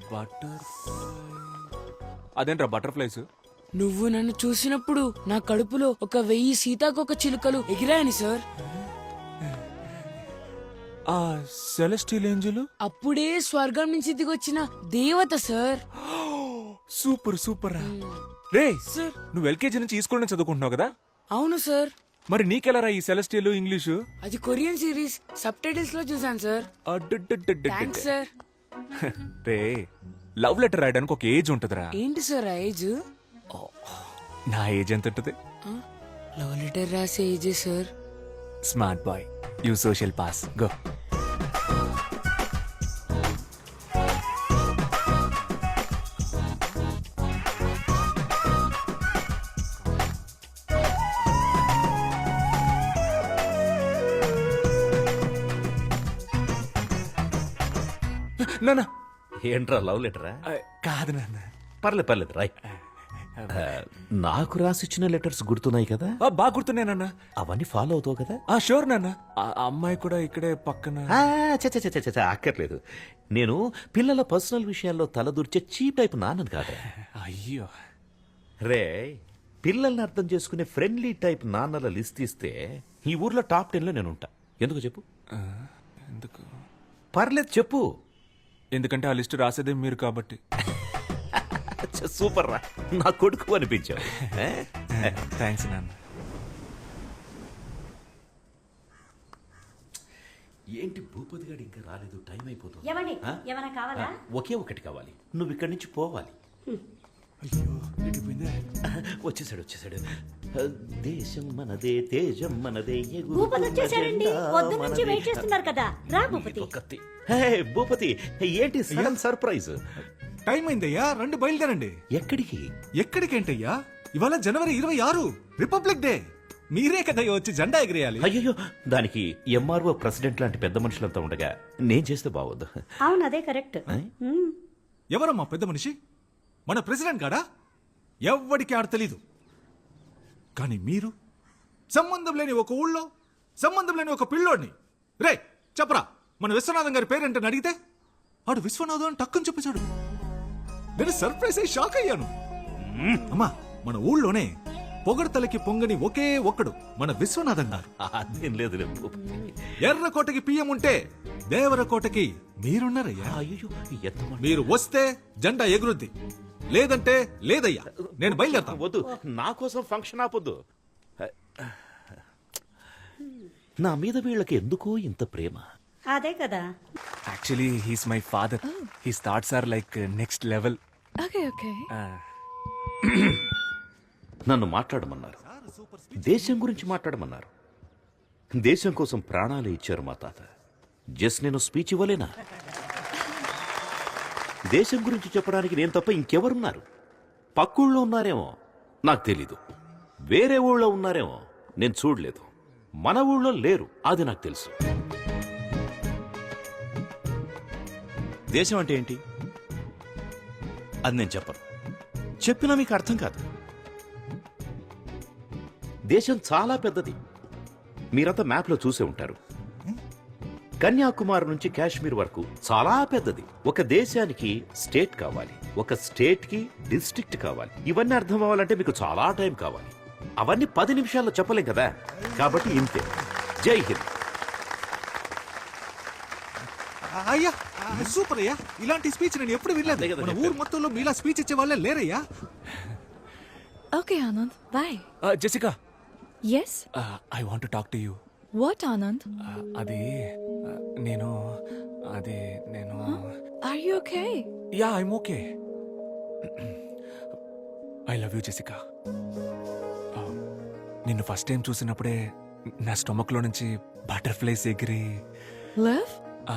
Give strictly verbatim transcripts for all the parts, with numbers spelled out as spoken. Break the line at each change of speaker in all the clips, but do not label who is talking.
Butterfly అదేంట్రా butterflies?
నువ్వు నన్ను చూసినప్పుడు నా కడుపులో ఒక వెయ్యి సీతాకోక చిలుకలు ఎగిరాయని సార్.
ఆ సెలెస్టియల్ ఏంజెల్
అప్పుడే స్వర్గం నుంచి దిగొచ్చిన దేవత సార్.
సూపర్ సూపర్ రా. రే
సార్.
నువ్వు ఎల్కేజీ నుంచి ఈ స్కూల్ నుంచి చదువుకుంటున్నావు కదా?
అవును సార్.
మరి నీకెలా రా ఈ సెలెస్టియల్ ఇంగ్లీషు?
అది కొరియన్ సిరీస్ సబ్ టైటిల్స్ లో చూసాను సార్. Thanks sir.
రే లవ్ లెటర్ రాయడానికి ఒక ఏజ్ ఉంటదిరా.
ఏంటి సార్ ఆ ఏజ్?
నా ఏజ్ ఎంత ఉంటది?
లవ్ లెటర్ రాసే ఏజే sir.
Smart boy you social pass go. నాన్న
ఏంట్రా లవ్ లెటరా?
కాదు నాన్న.
పర్లేదు పర్లేదు రాయ్. ఆ, నాకు రాసిచ్చిన లెటర్స్ గుర్తున్నాయి కదా?
ఆ, బాగా గుర్తున్నానన్న.
అవన్నీ ఫాలో అవుతావు కదా?
ఆ షూర్ నాన్న. ఆ అమ్మాయి కూడా ఇక్కడే పక్కన.
ఆ, చ చ చ చ చ, అక్కర్లేదు. నేను పిల్లల పర్సనల్ విషయాల్లో తలదూర్చే చీప్ టైప్ నాన్నను కాదు.
అయ్యో
రే, పిల్లల్ని అర్థం చేసుకునే ఫ్రెండ్లీ టైప్ నాన్నల లిస్ట్ ఇస్తే ఈ ఊర్లో టాప్ టెన్ లో నేను ఉంటా. ఎందుకు చెప్పు?
ఆ, ఎందుకు?
పర్లేదు చెప్పు.
ఎందుకంటే ఆ లిస్ట్ రాసేదే మీరు కాబట్టి.
చ, సూపర్ రా, నా కొడుకు అనిపించావు.
థ్యాంక్స్ నాన్న.
ఏంటి భూపతి గారు ఇంకా రాలేదు? టైం అయిపోతుంది.
ఏమండి
ఆ?
ఏమైనా కావాలా?
ఒకే ఒకటి కావాలి. నువ్వు ఇక్కడి నుంచి పోవాలి.
అయ్యో ఎటుపోయిందే?
వచ్చేసాడు వచ్చేసాడు. దేశం మనదే, తేజం మనదే, ఎగురుతున్న
భూపతి వచ్చేసాడండి.
జెండా
పొద్దు నుంచి
మనదే.
వెయిట్ చేస్తున్నారు కదా. రా భూపతి.
ఒక్కతి. హే, భూపతి ఏంటి సడన్ సర్ప్రైజ్?
టైం అయిందయ్యా, రండి బయలుదేరండి.
ఎక్కడికి?
ఎక్కడికేంటయ్యా? ఇవాళ జనవరి ఇరవై ఆరు రిపబ్లిక్ డే. మీరే కదయ్యా వచ్చి జెండా ఎగిరేయాలి.
అయ్యో, దానికి ఎంఆర్ఓ ప్రెసిడెంట్ లాంటి పెద్ద మనుషులంతా ఉండగా నేను చేస్తే బాగోదు.
అవును అదే కరెక్ట్. ఉమ్.
ఎవరమ్మా పెద్ద మనిషి? మన ప్రెసిడెంట్ గాడా? ఎవ్వడికి ఆడ తెలీదు. కానీ మీరు సంబంధం లేని ఒక ఊళ్ళో సంబంధం లేని ఒక పిల్లోడిని రే చెప్పరా మన విశ్వనాథం గారి పేరేంటని అడిగితే ఆడు విశ్వనాథం అని టక్కుని చెప్పేశాడు. నేను సర్ప్రైజ్ అయ్యి షాక్ అయ్యాను. అమ్మా, మన ఊళ్ళోనే పొగడతలకి పొంగని ఒకే ఒక్కడు మన విశ్వనాథం గారు.
అదేం లేదు భూపతి.
ఎర్రకోటకి పియ్యం ఉంటే దేవరకోటకి మీరున్నారయ్యా.
అయ్యో, ఎంత మాట.
మీరు వస్తే జెండా ఎగురుద్ది, లేదంటే లేదయ్యా. నేను బయలుదేరతా.
వద్దు, నా కోసం ఫంక్షన్ ఆపొద్దు. నా మీద వీళ్ళకి ఎందుకో ఇంత ప్రేమ.
అదే కదా.
Actually he's my father. His thoughts are like next level.
Okay, okay.
నన్ను మాట్లాడమన్నారు, దేశం గురించి మాట్లాడమన్నారు. దేశం కోసం ప్రాణాలు ఇచ్చారు మా తాత. జస్ట్ నేను స్పీచ్ ఇవ్వలేనా? దేశం గురించి చెప్పడానికి నేను తప్ప ఇంకెవరున్నారు? పక్కూళ్ళో ఉన్నారేమో, నాకు తెలీదు. వేరే ఊళ్ళో ఉన్నారేమో, నేను చూడలేదు. మన ఊళ్ళో లేరు, అది నాకు తెలుసు. దేశం అంటే ఏంటి అది నేను చెప్పను. చెప్పినా మీకు అర్థం కాదు. దేశం చాలా పెద్దది. మీరంతా మ్యాప్లో చూసే ఉంటారు. కన్యాకుమారి నుంచి కాశ్మీర్ వరకు చాలా పెద్దది. ఒక దేశానికి స్టేట్ కావాలి, ఒక స్టేట్ కి డిస్ట్రిక్ట్ కావాలి. ఇవన్నీ అర్థం అవ్వాలంటే మీకు చాలా టైం కావాలి. అవన్నీ పది నిమిషాల్లో చెప్పలేం కదా. కాబట్టి ఇంతే. జై హింద్.
అయ్యా సూపర్ అయ్యా, ఇలాంటి స్పీచ్ నేను ఎప్పుడు వినలేదు. మన ఊరు మొత్తంలో మీలా స్పీచ్ ఇచ్చే వాళ్ళే లేరయ్యా.
Okay, Anand. Bye.
Jessica,
Yes?
I want to talk to you.
What, Anand?
అది uh, నేను అది నేను
Are you okay?
Yeah I'm okay. I love you Jessica. నిన్ను ఫస్ట్ టైం చూసినప్పుడే నా స్టొమక్ లో నుంచి బటర్ఫ్లైస్ ఎగిరి.
Liv?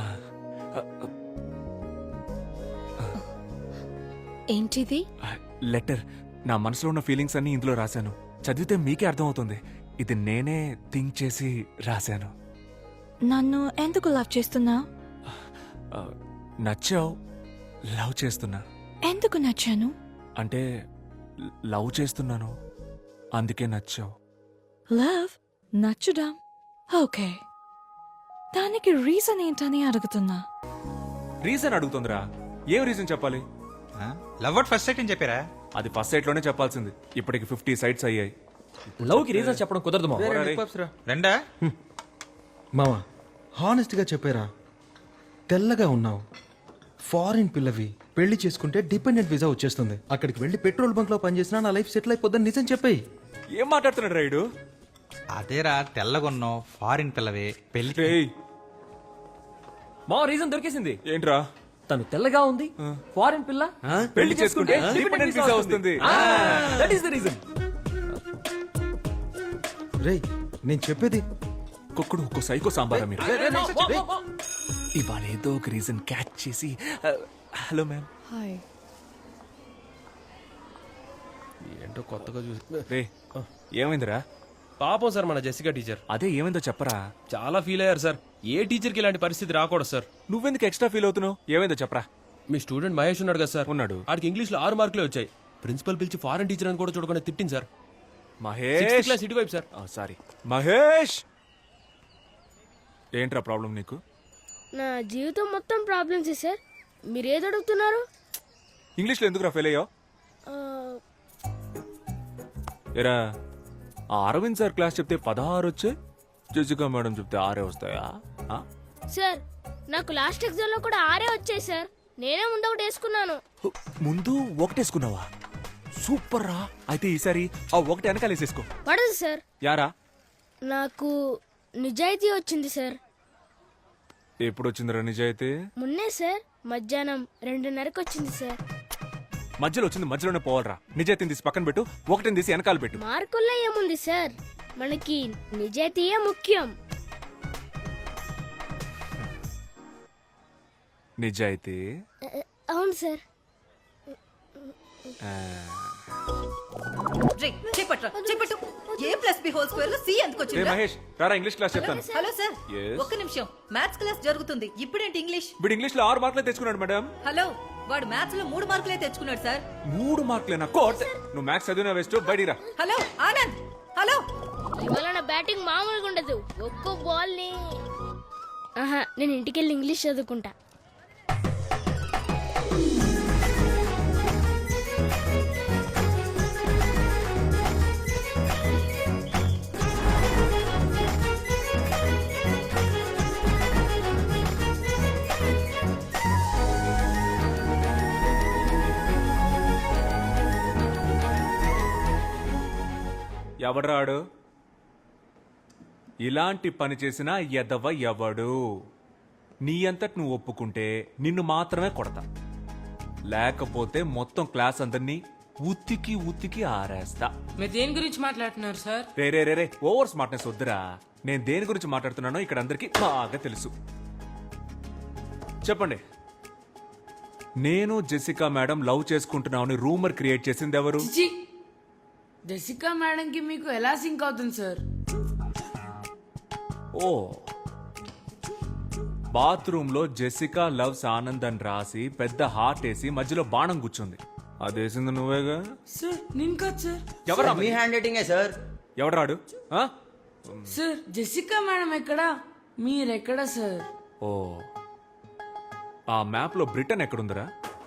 ఏంటిది?
లెటర్. నా మనసులో ఉన్న ఫీలింగ్స్ అన్ని ఇందులో రాశాను. చదివితే మీకే అర్థమవుతుంది. ఇది నేనే థింక్ చేసి రాశాను.
నన్ను ఎందుకు లవ్ చేస్తున్నా?
నచ్చావు, లవ్ చేస్తున్నా.
ఎందుకు నచ్చాను?
అంటే లవ్ చేస్తున్నాను, అందుకే నచ్చావు.
లవ్ నచ్చుడా? ఓకే, దానికి రీజన్ ఏంటని అడుగుతున్నా.
రీజన్ అడుగుతుందిరా. ఏం రీజన్ చెప్పాలి?
లవ్ అట్ ఫస్ట్ సైట్ అని చెప్పారా?
అది ఫస్ట్ సైట్ లోనే చెప్పాల్సింది. ఇప్పటికి ఫిఫ్టీ సైట్స్ అయ్యాయి.
లవ్ కి రీజన్ చెప్పడం కుదరదు మావా.
రెండా?
మావా హానెస్ట్గా చెప్పారా, తెల్లగా ఉన్నావు, ఫారిన్ పిల్లవి, పెళ్లి చేసుకుంటే డిపెండెంట్ వీసా వచ్చేస్తుంది, అక్కడికి వెళ్ళి పెట్రోల్ బంక్ లో పనిచేసినా నా లైఫ్ సెటిల్ అయిపోద్దని నిజం చెప్పాయి.
ఏం మాట్లాడుతున్నాడు రైడు?
అదేరా, తెల్లగొన్నావు, ఫారిన్ పిల్లవే, పెళ్లి.
రేయ్,
మావా రీజన్ దొరికేసింది.
ఏంట్రా?
తను తెల్లగా ఉంది, ఫారిన్ పిల్ల,
పెళ్లి చేసుకుంటే డిపెండెంట్ వీసా వస్తుంది.
That is the reason.
రేయ్ నేను చెప్పేది
కుక్కుడు ఒక్కో సైకో సాంబారా మీరు? ఇవాళ ఏదో ఒక రీజన్ క్యాచ్ చేసి హలో మ్యామ్.
హాయ్.
ఏంటో కొత్తగా చూసి
రే ఏమైందిరా?
పాపం సార్ మన జెసికా టీచర్.
అదే ఏమైందో చెప్పరా.
చాలా ఫీల్ అయ్యారు సార్. ఏ టీచర్కి ఇలాంటి పరిస్థితి రాకూడదు సార్.
నువ్వెందుకు ఎక్స్ట్రా ఫీల్ అవుతున్నావు? ఏమైందో చెప్పరా.
మీ స్టూడెంట్ మహేష్ ఉన్నాడు కదా సార్,
ఉన్నాడు.
ఆడికి ఇంగ్లీష్ లో ఆరు మార్కులే వచ్చాయి. ప్రిన్సిపల్ పిలిచి ఫారెన్ టీచర్ అని కూడా చూడకుండా తిట్టింది సార్.
మహేష్
క్లాస్ ఇటువైపు సార్.
సారీ మహేష్. ఏంట్రా ప్రాబ్లం నీకు?
నా జీవితం మొత్తం ప్రాబ్లమ్స్ సార్. మీరు ఏది అడుగుతున్నారు?
ఇంగ్లీష్లో ఎందుకురా ఫెయిల్ అయ్యావు?
ఆ,
ఎరా ఆ అరవింద్ సార్ క్లాస్ చెప్తే పదహారు వచ్చే, జెసికా మేడం చెప్తే ఆరే వస్తాయా? ఆ?
సార్ నాకు లాస్ట్ ఎగ్జామ్ లో కూడా ఆరే వచ్చాయి సార్. నేనే ముందు ఒకటి వేసుకున్నాను.
ముందు ఒకటేసుకున్నావా? సూపర్ రా. అయితే ఈసారి ఆ ఒకటి వెనకాలేసేసుకో.
పడదు సార్.
యారా?
నాకు నిజాయితీ వచ్చింది సార్.
ఎప్పుడు వచ్చిందిరా నిజాయితీ?
మొన్నే సార్, మధ్యాహ్నం రెండున్నరకు వచ్చింది సార్.
మధ్యలో వచ్చింది మధ్యలోనే పోవాలరా. నిజాయితీని తీసి పక్కన పెట్టు, ఒకటిని తీసి వెనకాల పెట్టు.
మార్కుల్లో ఏముంది సార్, మనకి నిజాయితీయే ముఖ్యం.
నిజాయితీ?
ఆ, అవును సార్.
చేపట్రా చేపట్టు. A plus B whole square లో సి ఎందుకు
రే
వచ్చింది?
మహేష్ రారా, ఇంగ్లీష్ క్లాస్ చెప్తాను.
Hello sir,
Yes.
ఒక్క నిమిషం. మ్యాథ్స్ క్లాస్ జరుగుతుంది, ఇప్పుడేంటి ఇంగ్లీష్?
వీడు ఇంగ్లీష్ లో ఆరు మార్కులే తెచ్చుకున్నాడు మేడం.
హలో, వాడు మ్యాథ్స్ లో మూడు మార్కులే తెచ్చుకున్నాడు సార్.
మూడు మార్కులేనా? కోట్ నువ్వు మ్యాథ్స్ చదివినా వేస్ట్, బయటిరా.
Hello Anand, hello.
ఇవాళ నా బ్యాటింగ్ మామూలుగా ఉండదు. ఒక్కో బాల్ ని ఆహా, నేను ఇంటికి వెళ్ళి ఇంగ్లీష్ చదువుకుంటా.
ఎవడ్రాడు? ఇలాంటి పని చేసిన ఎదవ ఎవడు? నీ అంతటి నువ్వు ఒప్పుకుంటే నిన్ను మాత్రమే కొడతా, లేకపోతే మొత్తం క్లాస్ అందరినీ ఉత్తికి ఉత్తికి ఆరేస్తా.
మీరు దేని గురించి మాట్లాడుతున్నారు సార్?
రే రే రే రే ఓవర్ స్మార్ట్నెస్ వద్దురా. నేను దేని గురించి మాట్లాడుతున్నానో ఇక్కడ అందరికీ బాగా తెలుసు. చెప్పండి. నేను జెసికా మేడం లవ్ చేసుకుంటున్నామని రూమర్ క్రియేట్ చేసింది ఎవరు?
చిచి, జెసికా మేడం కి మీకు ఎలా సింక్ అవుతుంది సార్?
ఓ, బాత్రూమ్ లో జెసికా లవ్స్ ఆనంద్ అని రాసి పెద్ద హార్ట్ వేసి మధ్యలో బాణం కూర్చుంది. అదేసింది నువ్వేగా?
సార్ నేను కాదు సార్.
ఎవరా
మీ హ్యాండ్ రైటింగే సార్.
ఎవడరాడు? ఆ?
సార్ జెసికా మేడం ఎక్కడా, మీరెక్కడా సార్?
ఓ, ఆ మ్యాప్ లో బ్రిటన్ ఎక్కడుందిరా?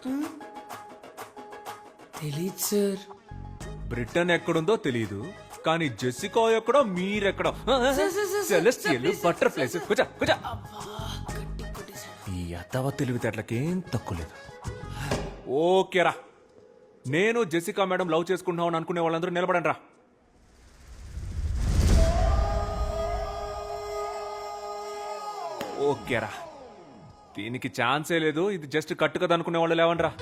తెలీదు సార్.
బ్రిటన్ ఎక్కడుందో తెలీదు, కానీ జెసికా ఎక్కడో మీరెక్కడో.
Sir, sir, sir,
celestial
sir, please,
butterflies.
Sir,
కూర్చో కూర్చో.
గట్టి కొట్టేశాడు.
ఈ అత్తవ తెలివితేటలకేం తక్కువ లేదు. ఓకేరా, నేను జెసికా మేడం లవ్ చేసుకుంటున్నామని అనుకునే వాళ్ళందరూ నిలబడండి రా. ఓకేరా, దీనికి ఛాన్సే లేదు. ఇది జస్ట్ కట్టు కదా అనుకునే వాళ్ళు లేవండి రా.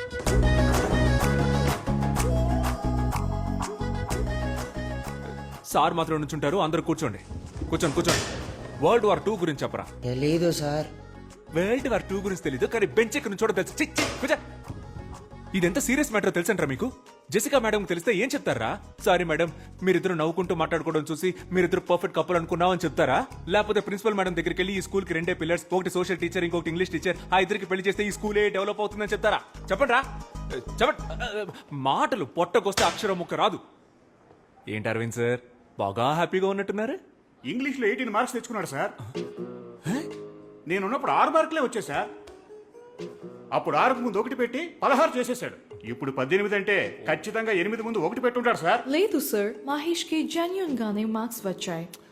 సార్ మాత్రం నుంచుంటారు, అందరూ కూర్చోండి. కూర్చోండి కూర్చోండి. వరల్డ్ వార్ టూ గురించి చెప్పరా.
తెలీదు సార్.
వరల్డ్ వార్ టూ గురించి తెలీదు, కానీ బెంచ్ ఎక్కడి నుంచో తెలుసు. చి, చి, కూర్చో. ఇదెంత సీరియస్ మ్యాటర్ తెలుసంటారా మీకు? జెసికా మేడం తెలిస్తే ఏం చెప్తారా? సారీ మేడం, మీరిద్దరు నవ్వుకుంటూ మాట్లాడుకోవడం చూసి మీరిద్దరు పర్ఫెక్ట్ కప్పులు అనుకున్నామని చెప్తారా? లేకపోతే ప్రిన్సిపల్ మేడం దగ్గరికి వెళ్ళి ఈ స్కూల్ కి రెండే పిల్లర్స్, ఒకటి సోషల్ టీచర్, ఇంకొకటి ఇంగ్లీష్ టీచర్, ఆ ఇద్దరికి పెళ్లి చేస్తే ఈ స్కూలే డెవలప్ అవుతుందని చెప్తారా? చెప్పండి రా, చెప్పండి. మాటలు పొట్టకొస్తే అక్షరం ముక్క రాదు. ఏంటి అరవింద్ సార్, బాగా హ్యాపీగా ఉన్నట్టున్నారు?
ఇంగ్లీష్ లో ఎయిటీన్ మార్క్స్ తెచ్చుకున్నాడు సార్. నేనున్నప్పుడు ఆరు మార్కులే వచ్చాయి సార్.
అప్పుడు ఆరుకు ముందు ఒకటి పెట్టి పదహారు చేసేసాడు. ఇప్పుడు పద్దెనిమిది అంటే ఖచ్చితంగా ఎనిమిది ముందు ఒకటి పెట్టుంటాడు సార్.
లేదు సార్ మహేష్ కి జెన్యున్ గానే మార్క్స్ వచ్చాయి.